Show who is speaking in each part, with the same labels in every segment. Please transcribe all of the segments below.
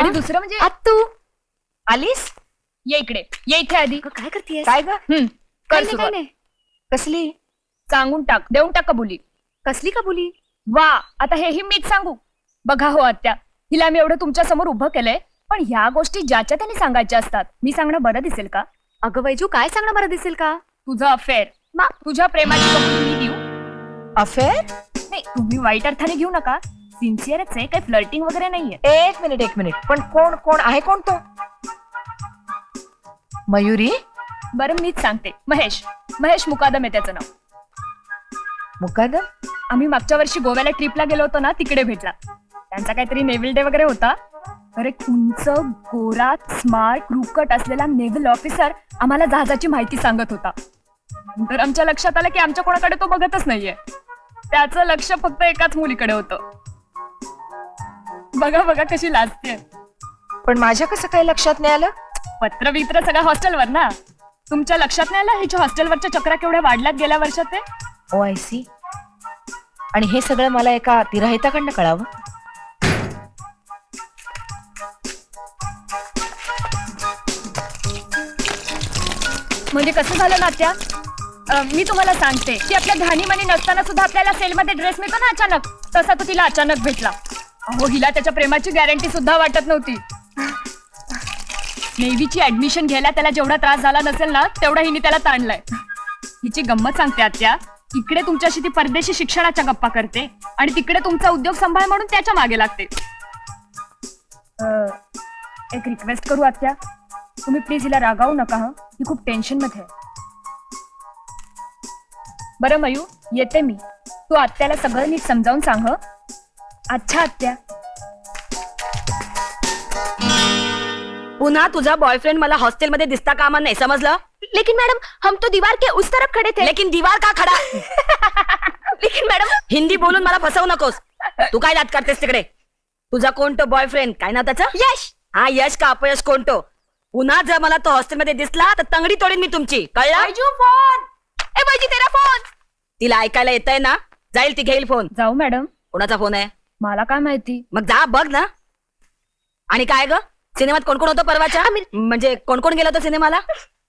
Speaker 1: आणि दुसरं म्हणजे
Speaker 2: आत्तू आलीस?
Speaker 1: ये इकडे, ये इथे आधी.
Speaker 2: काय करतेस?
Speaker 3: काय ग?
Speaker 1: कर
Speaker 2: काय
Speaker 1: सुरुवात.
Speaker 2: नाही
Speaker 3: कसली?
Speaker 1: सांगून टाक, देऊन टाक कबुली.
Speaker 2: कसली कबुली?
Speaker 1: वा, आता हेही मीच सांगू. बघा हो आत्या, हिला मी एवढं तुमच्या समोर उभं केलंय, पण ह्या गोष्टी ज्याच्या त्यांनी सांगायच्या असतात. मी सांगणं बरं दिसेल का?
Speaker 2: अगं वैजू, काय सांगणं बरं दिसेल का?
Speaker 1: तुझं अफेअर, तुझ्या प्रेमाची कबुली मी देऊ?
Speaker 3: अफेअर?
Speaker 1: नाही, तुम्ही वाईट अर्थाने घेऊ नका. सिन्सिअरच आहे, काही फ्लर्टिंग वगैरे नाहीये.
Speaker 3: एक मिनिट पण कोण कोण आहे? कोण तो? मयुरी?
Speaker 1: बरं मीच सांगते. महेश महेश मुकादम आहे त्याचं नाव.
Speaker 3: मुकादम?
Speaker 1: आम्ही मागच्या वर्षी गोव्याला ट्रिपला गेलो होतो ना, तिकडे भेटला. त्यांचा काहीतरी नेव्हिल डे वगैरे होता. अरे उंच गोरा स्मार्ट क्रूकट असलेला नेव्हिल ऑफिसर आम्हाला जहाजाची माहिती सांगत होता. नंतर आमच्या लक्षात आलं की आमच्या कोणाकडे तो बघतच नाहीये. त्याचं लक्ष फक्त एकाच मुलीकडे होतं. बघा बघा कशी लाजते.
Speaker 3: पण माझ्या कसं काय लक्षात नाही आलं?
Speaker 1: पत्र बित्र सगळं हॉस्टेलवर ना. तुमच्या लक्षात नाही आलं हिच्या हॉस्टेलवरच्या चक्रा केवढ्या वाढल्यात गेल्या वर्षात ते?
Speaker 3: Oh I see. आणि हे सगळं मला एका तिराहिताकडनं कळावं?
Speaker 1: म्हणजे कसं झालं ना त्या? मी तुम्हाला सांगते की आपल्या ध्यानीमनी नसताना सुद्धा आपल्याला सेलमध्ये ड्रेस मिळतो ना अचानक, तसा तो तिला अचानक भेटला. अहो हिला त्याच्या प्रेमाची गॅरंटी सुद्धा वाटत नव्हती. नेव्हीची ऍडमिशन घ्यायला त्याला जेवढा त्रास झाला नसेल ना, तेवढा हिने त्याला ताणलाय. हिची गंमत सांगते आत्या, इकडे तुमच्याशी ती परदेशी शिक्षणाच्या गप्पा करते आणि तिकडे तुमचा उद्योग सांभाळ म्हणून त्याच्या मागे लागते. एक रिक्वेस्ट करू आत्या, तुम्ही प्लीज हिला रागावू नका. हं, ही खूप टेन्शन मध्ये आहे. बरं मयू, येते मी. तू आत्याला सगळं नीट समजावून सांग. हं? अच्छा आत्या.
Speaker 2: पुन्हा तुझा बॉयफ्रेंड मला हॉस्टेलमध्ये दिसता कामा नाही, समजलं? लेकिन मैडम, हम तो दीवार के उस तरफ खड़े थे. लेकिन दीवार का खड़ा? लेकिन मैडम, हिंदी बोलून मला फसवू नकोस. तू काय दात करतेस तिकडे? तुझा कोणतो बॉयफ्रेंड, काय ना त्याचं? यश. हा यश का अपयश कोणतो? पुन्हा जर मला तो हॉस्टेलमध्ये दिसला तर तंगडी तोडीन मी तुमची, कळलं?
Speaker 1: फोन.
Speaker 2: ए वैजी, तेरा फोन. तिला ऐकायला येतंय ना? जाईल ती, घेईल फोन.
Speaker 1: जाऊ मॅडम.
Speaker 2: कोणाचा फोन आहे?
Speaker 1: मला काय माहिती.
Speaker 2: मग जा बघ ना. आणि काय ग, सिनेमात कोण कोण होतं परवाच्या? म्हणजे कोण कोण गेलं होतं सिनेमाला?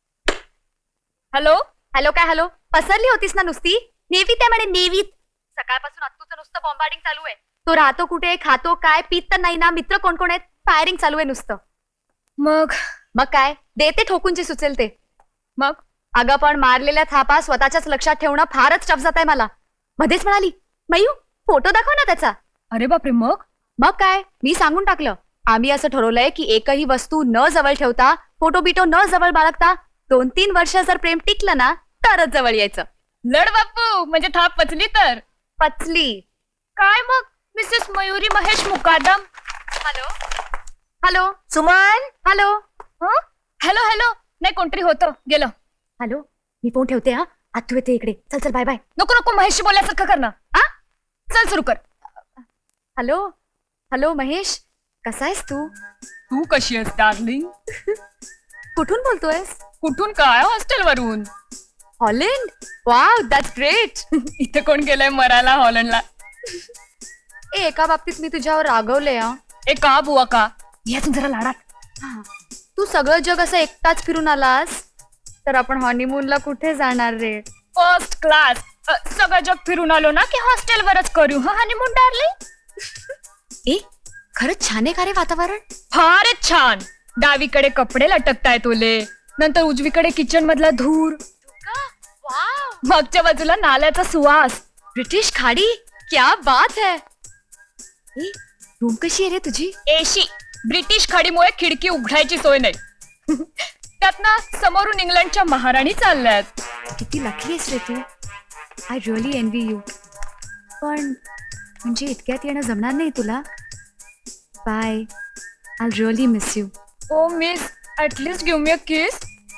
Speaker 1: हॅलो
Speaker 2: हॅलो काय हॅलो? पसरली होतीस ना नुसती? नेव्हीत आहे म्हणे, नेव्हीत. सकाळपासून अत्तूचं नुसतं बॉम्बार्डिंग चालू आहे. तो राहतो कुठे, खातो काय, पीत तर नाही ना, मित्र कोण कोण आहेत, फायरिंग चालू आहे नुसतं.
Speaker 1: मग
Speaker 2: मग काय, देते ठोकून जे सुचेल ते.
Speaker 1: मग
Speaker 2: अगं पण मारलेल्या थापा स्वतःच्याच लक्षात ठेवणं फारच टफ जात आहे मला. मध्येच म्हणाली, मयू फोटो दाखव ना त्याचा.
Speaker 1: अरे बापरे.
Speaker 2: मग काय, मी सांगून टाकलं. आम्ही असं ठरवलंय की एकही वस्तू न जवळ ठेवता, फोटो बिटो न जवळ बाळगता 2-3 वर्ष जर प्रेम टिकलं ना, तरच जवळ यायचं.
Speaker 1: लड बापू, म्हणजे थाप पचली तर
Speaker 2: पचली.
Speaker 1: काय मग Mrs Mayuri Mahesh Mukadam.
Speaker 2: Hello hello
Speaker 3: Suman?
Speaker 2: Hello.
Speaker 1: Hello hello. नाही, कोणतरी होतं, गेलं.
Speaker 2: हॅलो, मी फोन ठेवते. हा, आत्तू येते इकडे. चल चल, बाय बाय.
Speaker 1: नको नको, महेशशी बोलायसारखं कर ना.
Speaker 2: आ?
Speaker 1: चल सुरू कर.
Speaker 2: हॅलो हॅलो महेश, कसा आहेस तू?
Speaker 1: तू कशी आहेस डार्लिंग?
Speaker 2: कुठून बोलतोयस?
Speaker 1: कुठून काय? हॉस्टेलवरून.
Speaker 2: हॉलंड? Wow, that's great.
Speaker 1: इथे कोण गेलंय मरायला हॉलंडला?
Speaker 2: एका बाबतीत मी तुझ्यावर रागवले.
Speaker 1: ए का बुवा का? यातून जरा लाडात.
Speaker 2: तू सगळं जग असं एकटाच फिरून आलास तर आपण हनीमूनला कुठे जाणार रे?
Speaker 1: First class. सगळं जग फिरून आलो ना की हॉस्टेलवरच करू हनीमून डार्लिंग.
Speaker 2: ए, खरंच छान आहे का रे वातावरण?
Speaker 1: फारच छान. डावीकडे कपडे लटकतायत ओले, नंतर उजवीकडे किचन मधला धूर, मागच्या बाजूला नाल्याचा सुवास.
Speaker 2: ब्रिटिश खाडी, क्या बात है. रूम कशी आहे रे तुझी?
Speaker 1: एशी. ब्रिटिश खाडीमुळे खिडकी उघडायची सोय नाही. त्यातनं समोरून इंग्लंडच्या महाराणी चालल्यात.
Speaker 2: किती लकी आहेस रे तू. I really envy you. पण म्हणजे इतक्यात येणं जमणार नाही तुला. Bye, I really miss you.
Speaker 1: Oh miss, at least give me a kiss.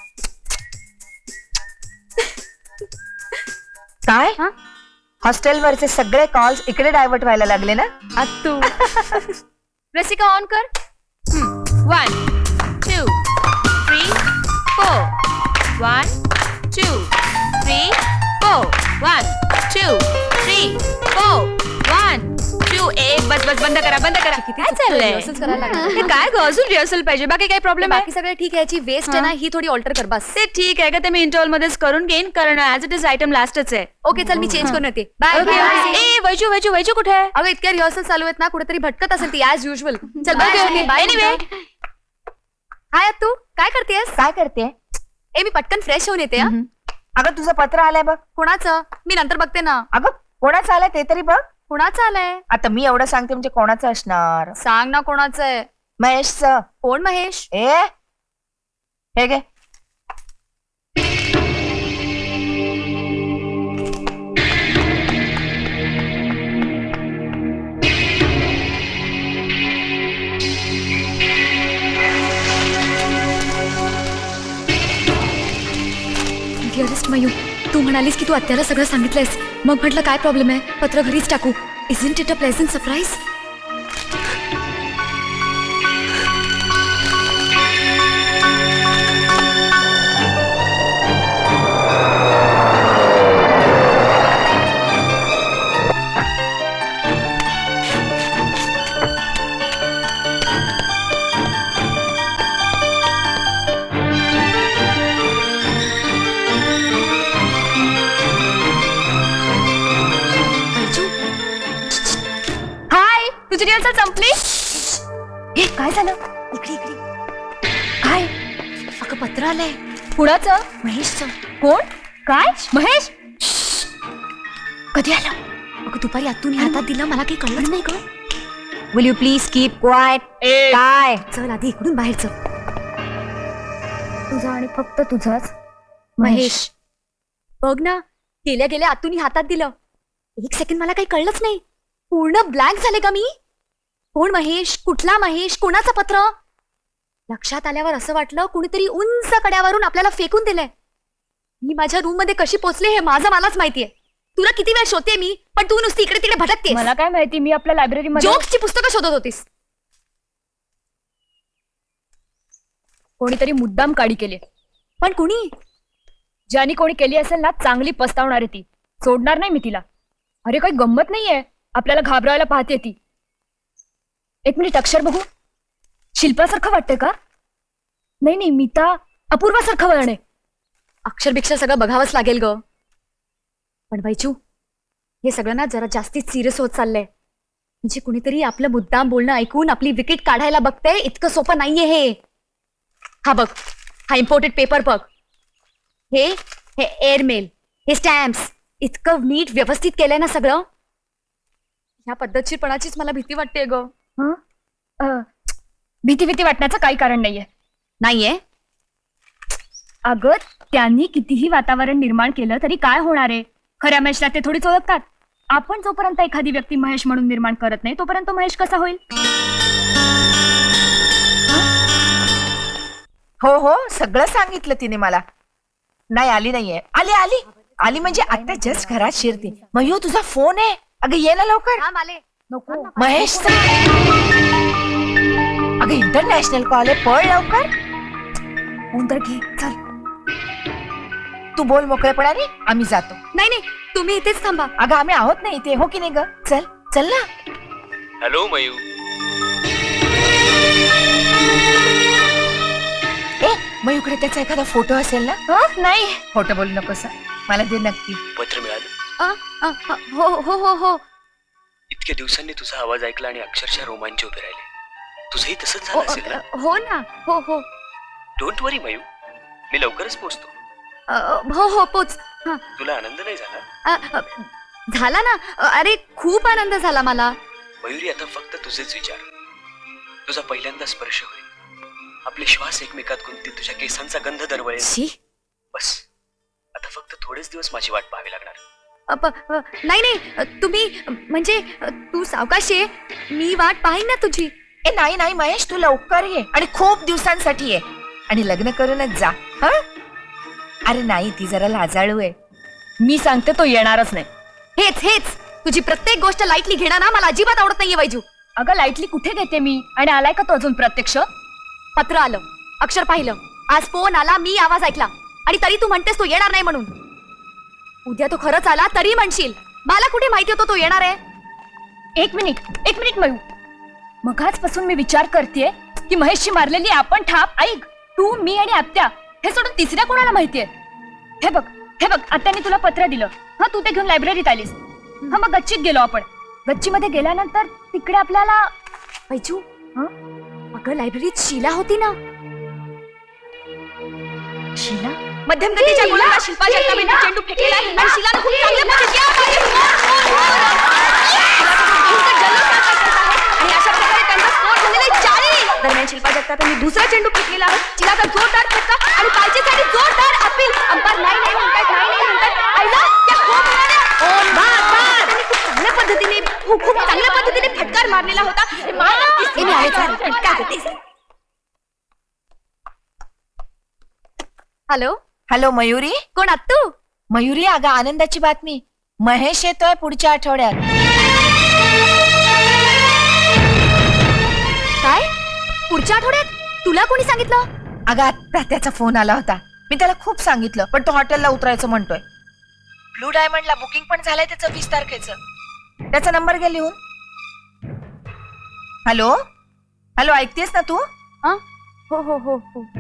Speaker 3: काय? हॉस्टेलवरचे सगळे कॉल्स इकडे डायव्हर्ट व्हायला लागले ना?
Speaker 2: आत्तू. रसिका ऑन कर. 1 2 3 4. 1 2 3 4. 1 2 3 4 1 2 बस बंद करा काय चाललंय हे काय ग अजून रिहर्सल पाहिजे बाकी काही प्रॉब्लेम आहे
Speaker 4: बाकी सगळं ठीक आहे याची वेस्ट आहे ना ही थोडी ऑल्टर कर बस
Speaker 2: ते ठीक आहे का ते मी इंटरव्हल मध्येच करून घेईन कारण ऍज इट इज आयटम लास्टच आहे
Speaker 4: ओके चल मी चेंज करून येते बाय
Speaker 2: ए वैजू कुठे आहे
Speaker 4: अगं इतक्या रिहर्सल चालू आहेत ना कुठेतरी भटकत असेल ती ऍज युजल चल बाय
Speaker 2: एनिवे
Speaker 4: हाय तू काय करतेस
Speaker 3: काय करते
Speaker 4: ए मी पटकन फ्रेश होऊन येते हा.
Speaker 3: अगं तुझं पत्र आलंय बघ.
Speaker 4: कोणाचं मी नंतर बघते ना
Speaker 3: अगं कोणाचं आलंय ते तरी बघ.
Speaker 4: कोणाचं आलंय
Speaker 3: आता मी एवढं सांगते म्हणजे कोणाचं असणार.
Speaker 4: सांग ना कोणाचं आहे
Speaker 3: महेशचं.
Speaker 4: कोण महेश
Speaker 3: हे घे.
Speaker 4: डिअरेस्ट मयू तू म्हणालीस की तू आत्याला सगळं सांगितलंयस मग म्हटलं काय प्रॉब्लेम आहे पत्र घरीच टाकू isn't it a pleasant surprise
Speaker 1: hi तुझी रिहर्सल संपली.
Speaker 4: हे काय झालं इकडे इकडे काय अगं पत्र आलंय
Speaker 1: कुणाचं.
Speaker 4: महेशचं
Speaker 1: कोण काय महेश.
Speaker 4: कधी आलं अगं दुपारी आतून हातात दिलं मला काही कळलं नाही ग
Speaker 3: will you please keep quiet. काय
Speaker 4: चल आधी इकडून बाहेर चल
Speaker 1: तुझा आणि फक्त तुझाच
Speaker 4: महेश बघ ना गेल्या गेल्या आतून हातात दिलं एक सेकंड मला काही कळलंच नाही पूर्ण ब्लँक झाले का मी कोण महेश कुठला महेश कोणाचं पत्र लक्षात आल्यावर असं वाटलं कुणीतरी उंच कड्यावरून आपल्याला फेकून दिलंय मी माझ्या रूम मध्ये कशी पोचले हे माझं मलाच माहितीये तुला किती वेळ शोधते मी पण तू नुसती इकडे तिकडे भटकते
Speaker 1: मला काय माहिती मी आपल्या लायब्ररीमध्ये
Speaker 4: जोक्सची पुस्तकं शोधत होतीस
Speaker 1: कोणीतरी मुद्दाम काढी केली.
Speaker 4: पण कुणी
Speaker 1: ज्यानी कोणी केली असेल ना चांगली पस्तावणार आहे ती. सोडणार नाही मी तिला. अरे काही गंमत नाहीये आपल्याला घाबरायला पाहते ती. एक मिनिट अक्षर बघू. शिल्पासारखं वाटतंय का. नाही मीता अपूर्वासारखं वळण आहे.
Speaker 4: अक्षरभिक्षा सगळं बघावंच लागेल ग पण बैजू हे सगळं ना जरा जास्तीच सिरियस होत चाललंय म्हणजे कुणीतरी आपलं मुद्दाम बोलणं ऐकून आपली विकेट काढायला बघतंय इतकं सोपं नाहीये हे हा बघ हा इम्पोर्टेड पेपर बघ हे एअरमेल हे स्टॅम्प्स इतकं नीट व्यवस्थित केलंय ना सगळं ह्या पद्धतशीरपणाचीच मला भीती वाटते ग
Speaker 1: भीती वाटण्याचं काही कारण
Speaker 4: नाहीये
Speaker 1: अगं त्यांनी कितीही वातावरण निर्माण केलं तरी काय होणार आहे. खऱ्या महेशला ते थोडीच ओळखतात. आपण जोपर्यंत एखादी व्यक्ती महेश म्हणून निर्माण करत नाही तोपर्यंत महेश कसा होईल.
Speaker 3: हो सगळं सांगितलं तिने मला. नाही आली नाहीये. आली म्हणजे आता जस्ट घरात शिरते. मयू तुझा फोन आहे. अगं ये ना लवकर.
Speaker 4: हा माले
Speaker 1: नको
Speaker 3: महेश अगं इंटरनॅशनल कॉल आहे पळ लवकर.
Speaker 4: फोन तर घे चल
Speaker 3: तू बोल मोकळेपणाने आम्ही जातो.
Speaker 4: नाही तुम्ही इथेच थांबा
Speaker 3: अगं आम्ही आहोत नाही इथे हो की नाही ग. चल ना.
Speaker 5: Hello mu.
Speaker 3: मयूकडे त्याचा एखादा फोटो असेल ना.
Speaker 1: नाही
Speaker 3: फोटो बोलू नकोस. मला दे नक्की.
Speaker 5: पत्र मिळालं.
Speaker 4: हो
Speaker 5: इतक्या दिवसांनी तुझा आवाज ऐकला आणि अक्षरशः रोमांच उभे राहिले. तुझंही तसंच झालं असेल ना.
Speaker 4: हो ना हो
Speaker 5: डोंट वरी मयू मी लवकरच पोहोचतो.
Speaker 4: हो पोच
Speaker 5: तुला आनंद नाही झाला.
Speaker 4: झाला ना अरे खूप आनंद झाला मला
Speaker 5: मयुरी आता फक्त तुझेच विचार. तुझा पहिल्यांदा स्पर्श होईल. आपले श्वास एकमेकात गुंततील. तुझ्या केसांचा गंध दरवळेल. बस आता फक्त थोडेच दिवस माझी वाट पाहावी लागणार.
Speaker 4: नाही तुम्ही म्हणजे तू सावकाशी ये मी वाट पाहीन ना तुझी.
Speaker 3: नाही महेश तू लवकर ये आणि खूप दिवसांसाठी ये आणि लग्न करूनच जा. अरे नाही ती जरा लाजाळू आहे.
Speaker 1: मी सांगते तो येणारच नाही.
Speaker 4: हेच तुझी प्रत्येक गोष्ट लाईटली घेणार ना मला अजिबात आवडत नाहीये वैजू.
Speaker 1: अगं लाईटली कुठे घेते मी आणि आलाय का तो अजून प्रत्यक्ष.
Speaker 4: पत्र आलं अक्षर पाहिलं आज फोन आला मी आवाज ऐकला आणि तरी तू म्हणतेस तो येणार नाही म्हणून. उद्या तो खरंच आला तरी म्हणशील मला कुठे माहिती होतं तो येणार आहे?
Speaker 1: एक मिनिट मयू. मगाचपासून मी विचार करतेय की महेशची मारलेली आपण ठाप ऐक, तू मी आणि आत्या हे सोडून तिसऱ्या कोणाला माहितीये? हे बघ आत्याने तुला पत्र दिलं. हा, तू ते घेऊन लायब्ररीत आलीस. हा, मग गच्चीत गेलो आपण. गच्चीमध्ये गेल्यानंतर तिकडे आपल्याला
Speaker 4: वैजू, अगं लायब्ररीत शीला होती ना.
Speaker 1: शीला?
Speaker 2: मध्यमगतीच्या मुलाला शिल्पा जगतापांनी चेंडू फेकलेला आहे आणि शिलाने खूप चांगल्या पद्धतीने आणि अशा प्रकारे त्यांचा स्कोर झालेला 40. दरम्यान शिल्पा जगतापांनी दुसरा चेंडू फेकलेला आहे. शिलाचा जोरदार फटका आणि पालचीसाठी जोरदार अपील. अंपायर नाही म्हणतात. आईला त्या खूप त्यांनी खूप चांगल्या पद्धतीने फटकार मारलेला होता.
Speaker 4: Hello,
Speaker 3: hello Mayuri.
Speaker 4: कोण आत्तू?
Speaker 3: मयुरी, अगं आनंदाची बातमी. महेश येतोय पुढच्या आठवड्यात.
Speaker 4: काय? पुढच्या आठवड्यात? तुला कोणी सांगितलं?
Speaker 3: अगं आत्ता त्याचा फोन आला होता. मी त्याला खूप सांगितलं, पण तो हॉटेलला उतरायचं म्हणतोय. ब्लू डायमंडला बुकिंग पण झालंय त्याचं 20 तारखेचं. त्याचा नंबर घे लिहून. हॅलो, ऐकतेस ना तू?
Speaker 4: हो.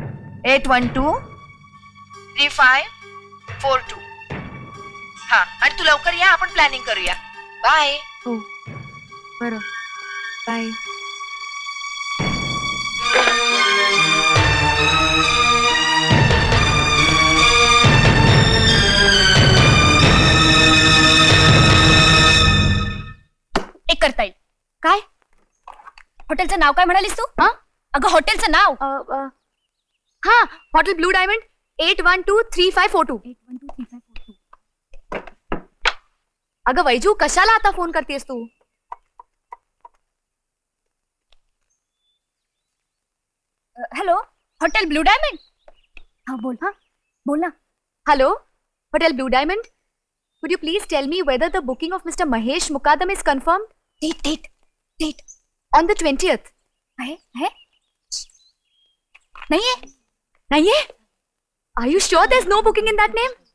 Speaker 3: 812354 हा, आणि तू लवकर या, आपण प्लॅनिंग करूया. बाय.
Speaker 4: हो, बरं, बाय.
Speaker 1: एक करता येईल.
Speaker 4: काय?
Speaker 1: हॉटेलचं नाव काय म्हणालीस तू? अगं हॉटेलचं नाव.
Speaker 4: हा, हॉटेल ब्लू डायमंड 812354. अगं वैजू, कशाला आता फोन करतेस तू?
Speaker 1: Hello, hotel blue diamond. हा, बोल ना.
Speaker 4: Hello, hotel blue diamond. Would you please tell me whether the booking of Mr. Mahesh Mukadam is confirmed?
Speaker 1: Date.
Speaker 4: On the 20th.
Speaker 1: है? नाहीये.
Speaker 4: Nahiye? Are you sure there's no booking in that name?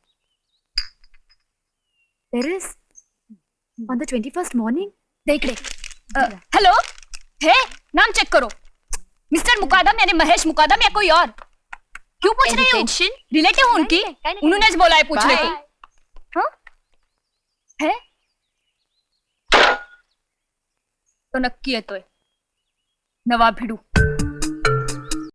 Speaker 4: There is. On the 21st morning?
Speaker 1: दे इकडे. Hello, हे नाम check करो. Mister मुकादम यानी महेश मुकादम या कोई और? क्यों पूछ रहे हो?
Speaker 4: Tension?
Speaker 1: रिलेटिव हूं उनकी. उन्होंने बोला है पूछने को. हाँ? है? तो नक्की येतोय नवा भिडू.